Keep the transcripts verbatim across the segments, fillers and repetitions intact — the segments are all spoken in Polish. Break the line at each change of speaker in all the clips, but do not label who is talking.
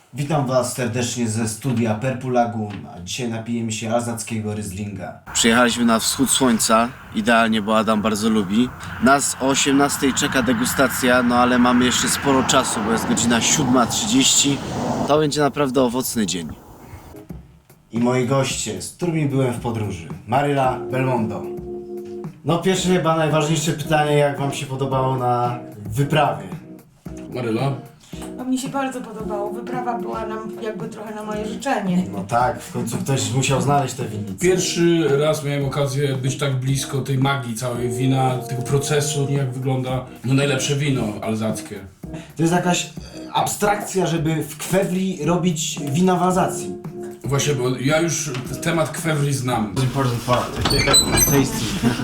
Witam Was serdecznie ze studia Purple Lagoon, a dzisiaj napijemy się alzackiego Rieslinga. Przyjechaliśmy na wschód słońca, idealnie, bo Adam bardzo lubi. Nas o osiemnastej czeka degustacja, no ale mamy jeszcze sporo czasu, bo jest godzina siódma trzydzieści. To będzie naprawdę owocny dzień. I moi goście, z którymi byłem w podróży. Maryla, Belmondo. No pierwsze chyba najważniejsze pytanie, jak Wam się podobało na wyprawie?
Maryla?
No mi się bardzo podobało. Wyprawa była nam jakby trochę na moje życzenie.
No tak, w końcu ktoś musiał znaleźć te winnice.
Pierwszy raz miałem okazję być tak blisko tej magii całej wina, tego procesu, jak wygląda no najlepsze wino alzackie.
To jest jakaś abstrakcja, żeby w kwewli robić wina w Alzacji.
Właśnie, bo ja już temat kwewli znam.
Important part. Tasty.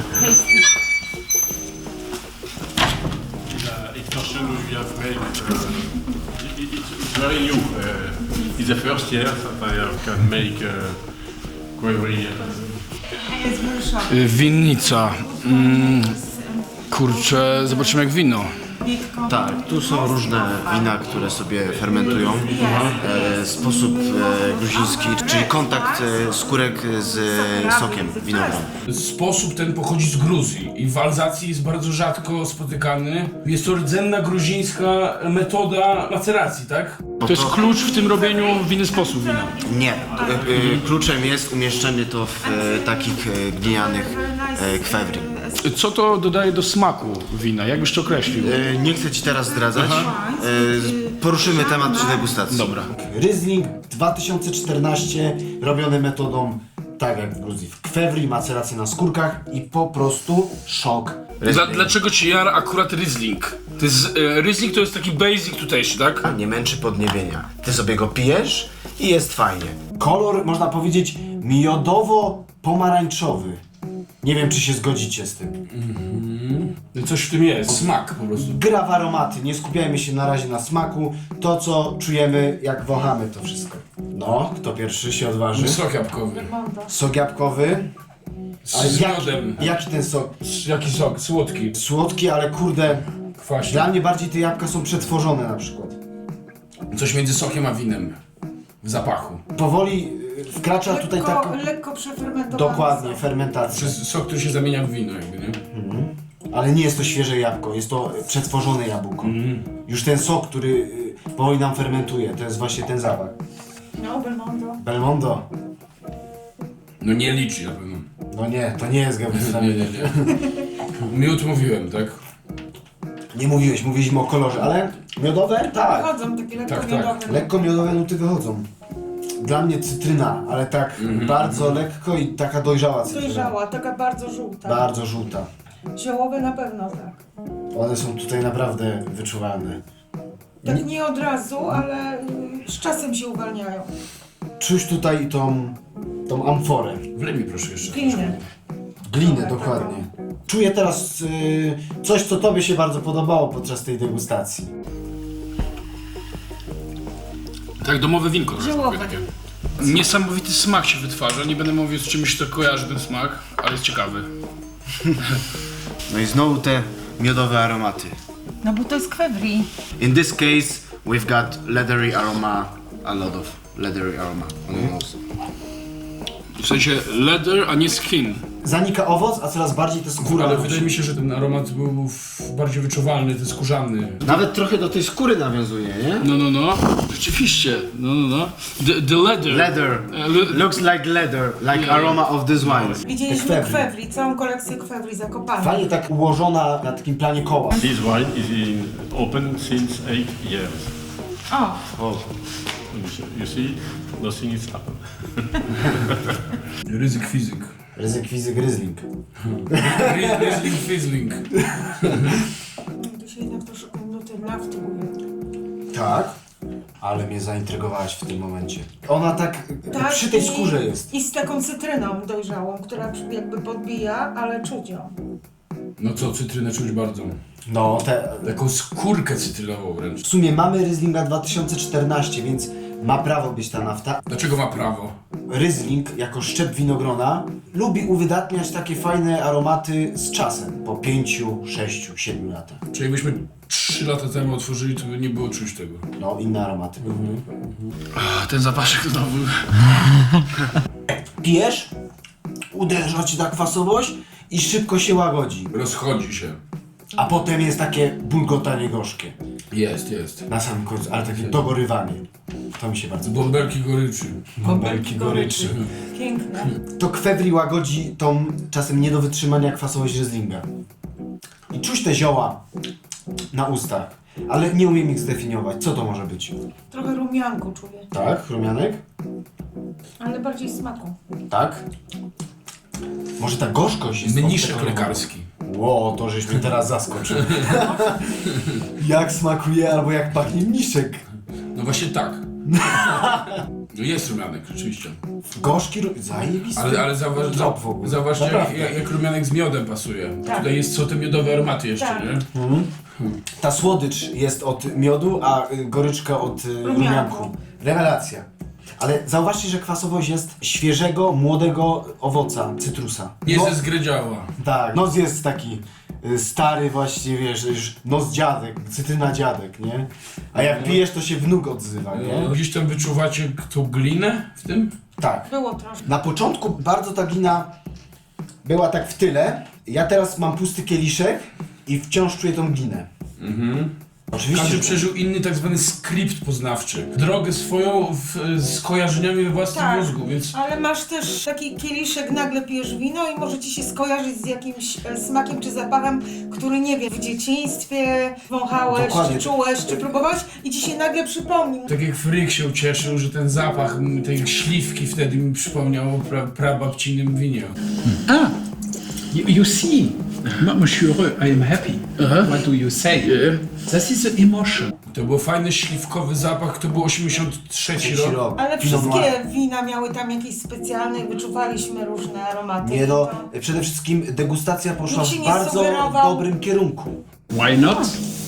It's not sure we have made. Uh, it, it's very new. Uh, it's the first year that I can make uh, query.
Jest wyryszona.
Winnica. Mm, kurczę, zobaczymy jak wino.
Tak, tu są różne wina, które sobie fermentują. E, sposób e, gruziński, czyli kontakt e, skórek z e, sokiem winogron.
Sposób ten pochodzi z Gruzji i w Alzacji jest bardzo rzadko spotykany. Jest to rdzenna gruzińska metoda maceracji, tak? To jest klucz w tym robieniu w inny sposób wina.
Nie, e, e, kluczem jest umieszczenie to w e, takich e, glinianych e, kwewli.
Co to dodaje do smaku wina? Jak byś to określił?
E, nie chcę Ci teraz zdradzać. E, poruszymy temat przy degustacji.
Dobra.
Riesling dwa tysiące czternaście robiony metodą tak jak w Gruzji. W kwewli, maceracja na skórkach i po prostu szok.
Dla, dlaczego ci jara akurat Riesling? To jest, e, Riesling to jest taki basic tutejszy, tak?
Nie męczy podniebienia. Ty sobie go pijesz i jest fajnie. Kolor, można powiedzieć, miodowo-pomarańczowy. Nie wiem, czy się zgodzicie z tym.
No coś w tym jest. Smak po prostu.
Gra w aromaty, nie skupiajmy się na razie na smaku. To, co czujemy, jak wąchamy to wszystko. No, kto pierwszy się odważy?
Sok jabłkowy.
Sok jabłkowy.
Z, z miodem.
Jaki ten sok?
Jaki sok? Słodki.
Słodki, ale kurde,
Kwaśny.
dla mnie bardziej te jabłka są przetworzone na przykład.
Coś między sokiem a winem. W zapachu.
Powoli y, wkracza tutaj
Lekko,
tak...
lekko przefermentowany.
Dokładnie,
sok.
To
fermentacja.
jest sok, który się zamienia w wino jakby, nie?
Ale nie jest to świeże jabłko, jest to przetworzone jabłko. Już ten sok, który y, powoli nam fermentuje, to jest właśnie ten zapach.
No, Belmondo.
Belmondo.
No nie liczy na pewno.
No nie, to nie jest
Nie,
gabrycami.
nie, nie. Miód mówiłem, tak?
Nie mówiłeś, mówiliśmy o kolorze, ale miodowe? Tak.
Wychodzą takie lekko
Tak, tak.
miodowe.
Lekko miodowe nuty wychodzą. Dla mnie cytryna, ale tak bardzo lekko i taka dojrzała cytryna.
Dojrzała, taka bardzo żółta.
Bardzo żółta.
Ziołowe na pewno tak.
One są tutaj naprawdę wyczuwalne.
Tak nie od razu, ale y, z czasem się uwalniają.
Czuć tutaj tą, tą amforę.
Wlej mi proszę jeszcze.
Glinę.
Glinę, dokładnie. Czuję teraz y, coś, co Tobie się bardzo podobało podczas tej degustacji.
Tak, domowe winko.
Ziołowe.
Takie. Niesamowity smak się wytwarza. Nie będę mówił, z czym się to kojarzy ten smak, ale jest ciekawy.
No i znowu te miodowe aromaty.
No bo to jest kwewli.
In this case, we've got leathery aroma, a lot of leathery aroma on the nose.
W sensie leather, a nie skin.
Zanika owoc, a coraz bardziej te skóra.
Ale wydaje mi się, że ten aromat był w- bardziej wyczuwalny, ten skórzany.
Nawet trochę do tej skóry nawiązuje, nie?
No, no, no. Rzeczywiście. No, no, no. The, the leather.
Leather.
E, le-
Looks like leather, like
Yeah.
aroma of this wine.
Widzieliśmy
Kwewli.
kwewli, całą kolekcję kwewli zakopanych.
Fajnie tak ułożona na takim planie koła.
This wine is in open since eight years.
O,
O.
You see, nothing is happened.
Ryzyk fizyk.
Ryzyk fizyk Riesling.
Ry- Riesling fizzling.
tu się jednak troszkę nuty nafty ujęły.
Tak, ale mnie zaintrygowałaś w tym momencie. Ona tak,
Tak,
przy tej
i-
skórze jest.
I z taką cytryną dojrzałą, która jakby podbija, ale czuć ją.
No co, cytrynę czuć bardzo.
No, te,
Taką skórkę cytrynową wręcz.
w sumie mamy Rieslinga dwa tysiące czternaście, więc ma prawo być ta nafta.
Dlaczego ma prawo?
Riesling jako szczep winogrona lubi uwydatniać takie fajne aromaty z czasem, po pięciu, sześciu, siedmiu latach.
Czyli jakbyśmy trzy lata temu otworzyli, to by nie było czuć tego.
No, inne aromaty.
A, ten zapaszek znowu.
Pijesz, uderza ci ta kwasowość i szybko się łagodzi.
Rozchodzi się.
A potem jest takie bulgotanie gorzkie.
Jest, jest.
Na samym końcu, ale takie dogorywanie. To mi się bardzo podoba.
Bąbelki goryczy.
Bąbelki goryczy.
Piękne.
To kwewri łagodzi tą czasem nie do wytrzymania kwasowość Rieslinga. I czuć te zioła na ustach, ale nie umiem ich zdefiniować. Co to może być?
Trochę rumianku czuję,
Tak, rumianek?
ale bardziej smaku.
Tak? Może ta gorzkość jest...
Mniszek
obcekowana?
lekarski.
Ło, to żeś mnie teraz zaskoczył. Jak smakuje albo jak pachnie mniszek.
No właśnie tak. No jest rumianek, rzeczywiście.
Gorzki, ru- zajebisty.
Ale, ale zauważ,
Trop w ogóle.
zauważcie, jak,
Naprawdę.
jak, jak rumianek z miodem pasuje.
Tak.
Tutaj jest, są te miodowe aromaty jeszcze,
Tak.
nie?
Ta słodycz jest od miodu, a y, goryczka od y,
Rumianku.
rumianku. Rewelacja. Ale zauważcie, że kwasowość jest świeżego, młodego owoca, cytrusa.
Nie
No-
ze zgredziała.
Tak, nos jest taki y, stary właśnie, wiesz, już nos dziadek, cytryna dziadek, nie? A jak pijesz, to się wnuk odzywa, nie?
Gdzieś tam wyczuwacie tą glinę w tym?
Tak.
Było troszkę.
Na początku bardzo ta glina była tak w tyle. Ja teraz mam pusty kieliszek i wciąż czuję tą glinę.
Mhm.
Oczywiście.
Każdy
że-
przeżył inny tak zwany skrypt poznawczy. Drogę swoją w, z kojarzeniami we własnym
Tak.
mózgu, więc...
Ale masz też taki kieliszek, nagle pijesz wino i może ci się skojarzyć z jakimś e, smakiem czy zapachem, który nie wiem, w dzieciństwie wąchałeś,
Dokładnie.
czy czułeś, czy próbowałeś i ci się nagle przypomni.
Tak jak Fryk się ucieszył, że ten zapach m, tej śliwki wtedy mi przypomniał o pra, prababcinym winie.
Ah, you, you see, M- Monsieur, I am happy. What do you say? This is the emotion.
To był fajny śliwkowy zapach, to był osiemdziesiąty trzeci
Trzeci
rok.
rok.
Ale
Pinot Noir.
wszystkie wina miały tam jakieś specjalne i wyczuwaliśmy różne aromaty.
Nie no,
To-
przede wszystkim degustacja poszła
Nikt się
w
nie
bardzo
sugerował.
dobrym kierunku.
Why not?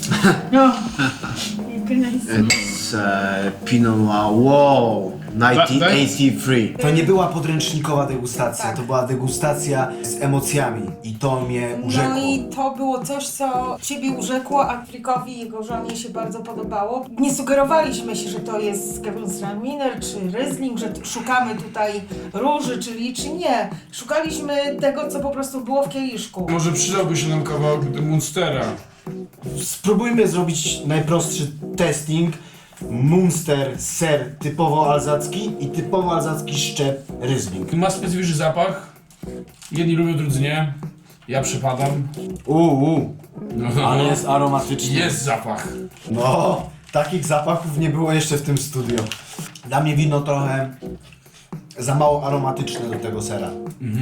It's uh, Pinot Noir, wow, nineteen eighty-three. To nie była podręcznikowa degustacja,
Tak.
to była degustacja z emocjami i to mnie urzekło.
No i to było coś, co ciebie urzekło, a Frickowi i jego żonie się bardzo podobało. Nie sugerowaliśmy się, że to jest Gewürztraminer czy Riesling, że t- szukamy tutaj róży czy liczy. Nie. Szukaliśmy tego, co po prostu było w kieliszku.
Może przydałby się nam kawałek Munstera.
Spróbujmy zrobić najprostszy testing. Munster, ser typowo alzacki i typowo alzacki szczep Riesling.
Ma specyficzny zapach. Jedni lubią, drudzy nie. Ja przepadam.
Uuu,
No,
ale jest aromatyczny.
jest zapach.
No, takich zapachów nie było jeszcze w tym studio. Dla mnie wino trochę za mało aromatyczne do tego sera.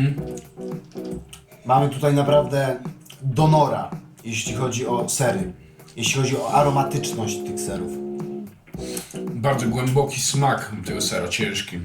Mamy tutaj naprawdę donora, jeśli chodzi o sery. Jeśli chodzi o aromatyczność tych serów.
Bardzo głęboki smak tego sera, ciężki.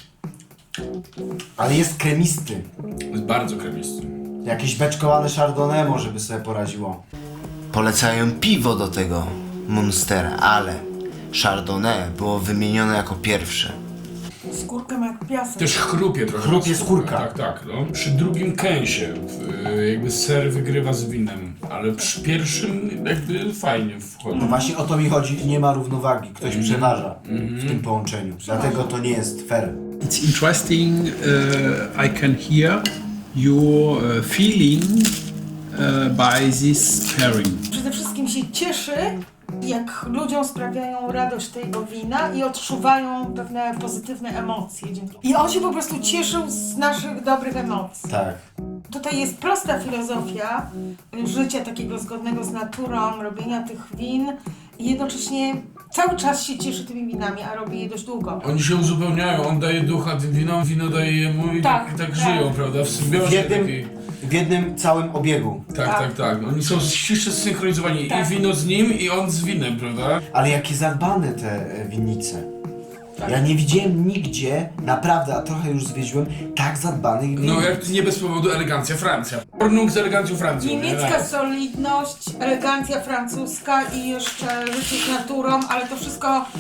Ale jest kremisty.
Jest bardzo kremisty.
Jakieś beczkowane chardonnay może by sobie poradziło. Polecają piwo do tego Munstera, ale chardonnay było wymienione jako pierwsze.
Skórkę ma jak piasek.
Też chrupie trochę.
Chrupie skórka.
Tak, tak. No. Przy drugim kęsie w- jakby ser wygrywa z winem, ale przy pierwszym jakby fajnie wchodzi.
No właśnie o to mi chodzi, nie ma równowagi, ktoś przeważa w tym połączeniu. Dlatego to nie jest fair.
It's interesting. Uh, I can hear your uh, feeling uh, by this pairing.
Przede wszystkim się cieszy, jak ludziom sprawiają radość tego wina i odczuwają pewne pozytywne emocje. dzięki- I on się po prostu cieszył z naszych dobrych emocji.
Tak.
Tutaj jest prosta filozofia życia takiego zgodnego z naturą, robienia tych win i jednocześnie cały czas się cieszy tymi winami, a robi je dość długo.
Oni się uzupełniają, on daje ducha tym winom, wino daje jemu i tak,
Tak,
tak,
tak.
żyją, prawda? W
W
symbiozie
jednym,
takiej.
w jednym całym obiegu.
Tak, tak,
Tak.
tak. Oni są ściśle zsynchronizowani.
Tak.
I wino z nim, i on z winem, prawda?
Ale jakie zadbane te e, winnice. Ja nie widziałem nigdzie, naprawdę, a trochę już zwiedziłem, tak zadbanych winnic.
No jak nie bez powodu elegancja Francja. Pornung z elegancją Francją. nie?
Niemiecka solidność, elegancja francuska i jeszcze życie z naturą, ale to wszystko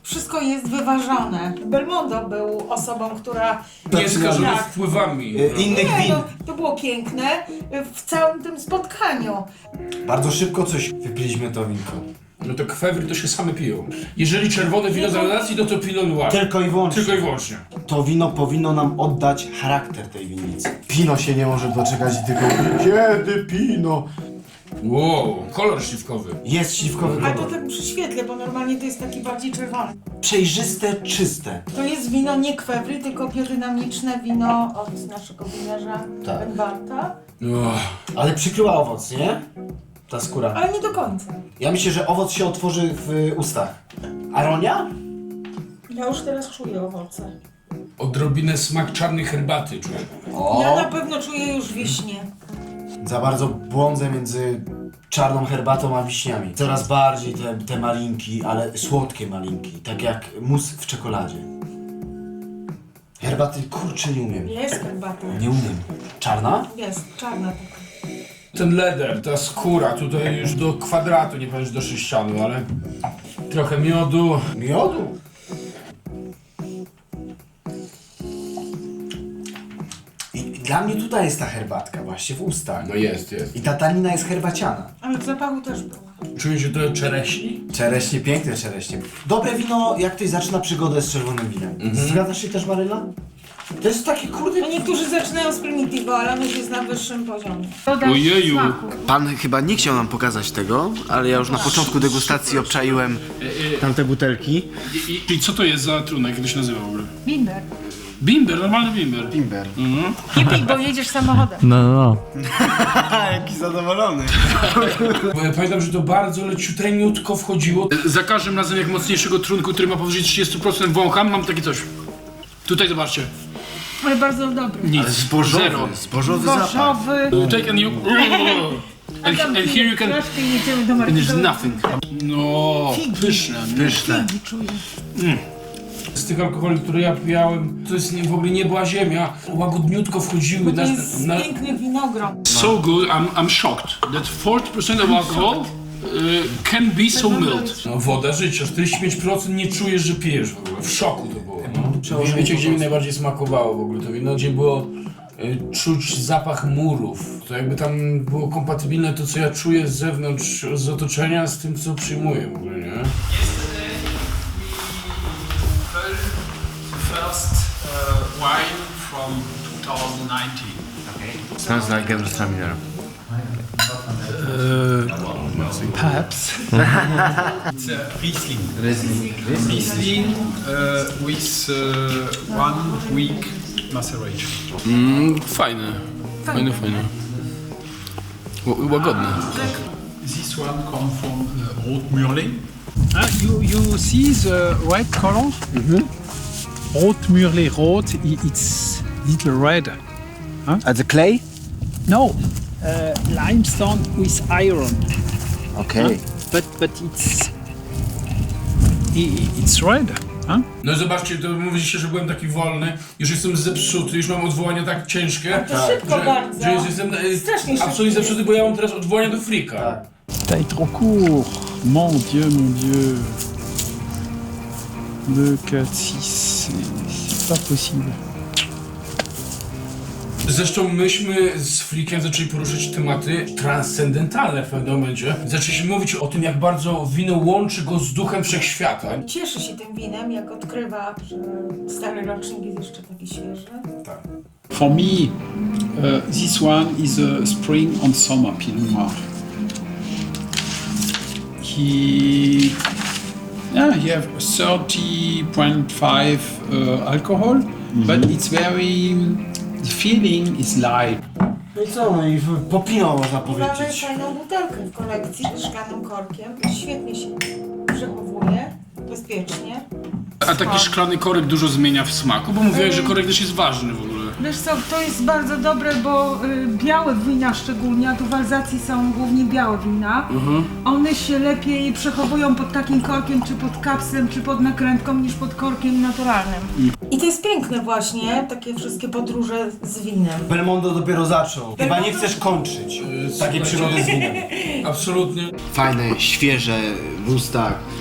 Wszystko jest wyważone. Belmondo był osobą, która...
Nie skażony
Tak.
wpływami.
Y, Innych
Nie,
win.
no, to było piękne y, w całym tym spotkaniu.
Bardzo szybko coś wypiliśmy to winko.
No to kwewry to się same piją. Jeżeli czerwone wino z relacji, no to Pinot Noir.
Tylko i wyłącznie.
Tylko i wyłącznie.
To wino powinno nam oddać charakter tej winnicy. Pino się nie może doczekać i tylko kiedy pino?
Wow, kolor śliwkowy.
Jest śliwkowy
Ale to
kolor.
tak przy świetle, bo normalnie to jest taki bardziej czerwony.
Przejrzyste, czyste.
To jest wino nie kwewry, tylko biodynamiczne wino od naszego winiarza
Tak.
Benbarta.
Oh.
Ale przykryła owoc, nie? Ta skóra.
Ale nie do końca.
Ja myślę, że owoc się otworzy w ustach. Aronia?
Ja już teraz czuję owoce.
Odrobinę smak czarnej herbaty czuję.
O!
Ja na pewno czuję już wiśnię.
Za bardzo błądzę między czarną herbatą a wiśniami. Coraz bardziej te, te malinki, ale słodkie malinki. Tak jak mus w czekoladzie. Herbaty kurczę nie umiem.
Jest herbata.
Nie umiem. Czarna?
Jest, czarna taka.
Ten leder, ta skóra, tutaj już do kwadratu, nie powiem, że do sześcianu, ale trochę miodu.
Miodu? I dla mnie tutaj jest ta herbatka właśnie w ustach.
No jest, jest.
I ta tanina jest herbaciana.
Ale w zapachu też była.
Czuję się trochę czereśni.
Czereśnie, piękne czereśnie. Dobre wino, jak ktoś zaczyna przygodę z czerwonym winem. Zgadzasz się też, Maryla? To jest takie kurde...
No niektórzy zaczynają z Primitivo, ale on już jest na wyższym poziomie.
Ojeju.
Pan chyba nie chciał nam pokazać tego, ale ja już na początku degustacji obczaiłem tamte butelki.
I, i, I co to jest za trunek, jak to się nazywa w ogóle?
Bimber.
Bimber, normalny bimber.
Bimber.
Nie pij, bo jedziesz samochodem.
Jaki zadowolony.
Bo ja pamiętam, że to bardzo leciuteńutko wchodziło. Za każdym razem jak mocniejszego trunku, który ma powyżej trzydzieści procent wącham, mam takie coś. Tutaj zobaczcie.
Ale bardzo dobry.
Nic.
Zbożowy,
Zero.
zbożowy zapach.
Zbożowy.
Take and you... And, and here you can...
Troszkę jedziemy do
And
marketu.
there's nothing. No, pyszne.
Pyszne.
Figi czuję.
Z tych alkoholi, które ja pijałem, to jest nie, w ogóle nie była ziemia. Łagodniutko wchodziły
Bo to
na...
jest
na
piękny winogron.
so good, I'm, I'm shocked that forty percent of alcohol uh, can be so mild. No woda życia, czterdzieści pięć procent nie czujesz, że pijesz w ogóle. W szoku to było. No. Wiecie, gdzie mi najbardziej smakowało w ogóle to wino? Gdzie było y, czuć zapach murów. To jakby tam było kompatybilne to, co ja czuję z zewnątrz, z otoczenia, z tym, co przyjmuję w ogóle, nie?
First uh, wine from two thousand nineteen.
Sounds like Gewürztraminer.
Perhaps. It's a Riesling.
Riesling.
Riesling uh, with uh, one week maceration.
Mm, fajne. Fajne, fajne. Ł- łagodne.
This one comes from uh, Rotmürling. Ah, you, you see the red color? Mm-hmm. Rotmürling rot, i- it's little red.
A the clay?
No, uh, limestone with iron.
Okej.
But but it's i- it's red. Huh?
No i zobaczcie, to mówiliście, że byłem taki wolny, już jestem zepsuty, już mam odwołania tak ciężkie,
To szybko
że,
bardzo.
że już jestem e,
Strasznie szybko
absolutnie
jest.
zepsuty, bo ja mam teraz odwołania do frika.
Tak.
T'as trop court. Mon Dieu, mon Dieu. deux, quatre, six, c'est c'est pas possible.
Zresztą myśmy z Frikiem zaczęli poruszyć tematy transcendentalne w pewnym momencie. Zaczęliśmy mówić o tym, jak bardzo wino łączy go z duchem wszechświata.
Cieszy się tym winem, jak odkrywa, że stary rocznik jest jeszcze taki świeży.
Tak.
For me, uh, this one is a spring and summer Pinot Noir. He, yeah, he have thirty point five uh, alcohol, but it's very, the feeling is light.
No i co, no i popinął można
Mamy
powiedzieć.
fajną butelkę w kolekcji z szklanym korkiem. Świetnie się przechowuje, bezpiecznie.
A taki szklany korek dużo zmienia w smaku, bo mówiłeś, że korek też jest ważny w ogóle.
Wiesz co, to jest bardzo dobre, bo y, białe wina szczególnie, a tu w Alzacji są głównie białe wina, one się lepiej przechowują pod takim korkiem, czy pod kapsem, czy pod nakrętką, niż pod korkiem naturalnym. I to jest piękne właśnie, takie wszystkie podróże z winem.
Belmondo dopiero zaczął. Chyba nie chcesz kończyć takiej przygody z winem.
Absolutnie.
Fajne, świeże w ustach.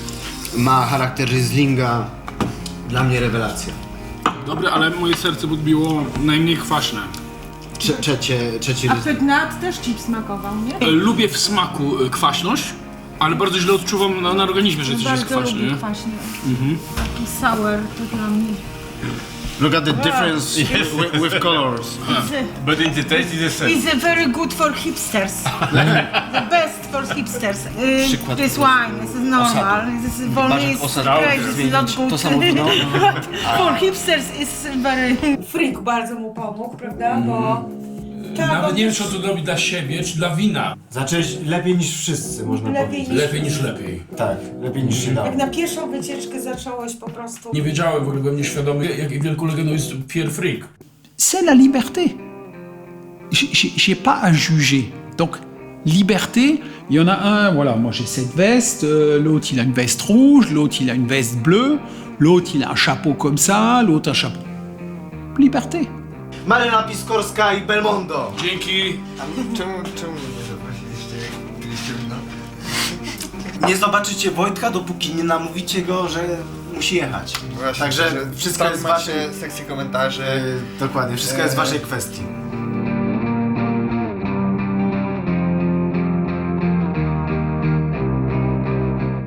Ma charakter Rieslinga. Dla mnie rewelacja.
Dobre, ale moje serce podbiło najmniej kwaśne.
Trze trzecie, trzeci
A
Riesling.
Pygnat też ci smakował, nie?
E, Lubię w smaku e, kwaśność, ale bardzo źle odczuwam na, na organizmie, że coś jest
Bardzo
kwaśne.
lubię
Nie?
kwaśny. Taki sour to dla mnie.
Look at the difference with, with colors.
But in the taste it's the same.
It's very good for hipsters. The best for hipsters. Uh,
Przykład
this wine, this is normal. This is for me
Bartek
is
osad
great, this is not
zmienić.
good.
To samo wino?
For hipsters is very... Freak bardzo mu pomógł, prawda? Bo... Tak,
Nawet
on
nie wiem,
też
czy to robi dla siebie, czy dla wina.
Zacząłeś lepiej niż wszyscy, można
lepiej
powiedzieć.
niż...
Lepiej niż lepiej.
Tak, lepiej niż się dało.
Jak na pierwszą wycieczkę zacząłeś po prostu...
Nie wiedziałem, w ogóle byłem nieświadomy, jak wielką legendą jest Pierre Frick.
C'est la liberté. J'ai- J'ai j'ai pas à juger. Donc, liberté, il y en a un, voilà, moi j'ai cette veste, euh, l'autre il a une veste rouge, l'autre il a une veste bleue, l'autre il a un chapeau comme ça, l'autre un chapeau. Liberté.
Marina Piskorska i Belmondo.
Dzięki.
Czemu, czemu nie zaprosiliście, jak piliście wino?
Nie zobaczycie Wojtka, dopóki nie namówicie go, że musi jechać.
Właśnie,
Także
że
wszystko
tam
jest
macie
wasze...
sekcję komentarzy.
Dokładnie, wszystko jest w waszej kwestii.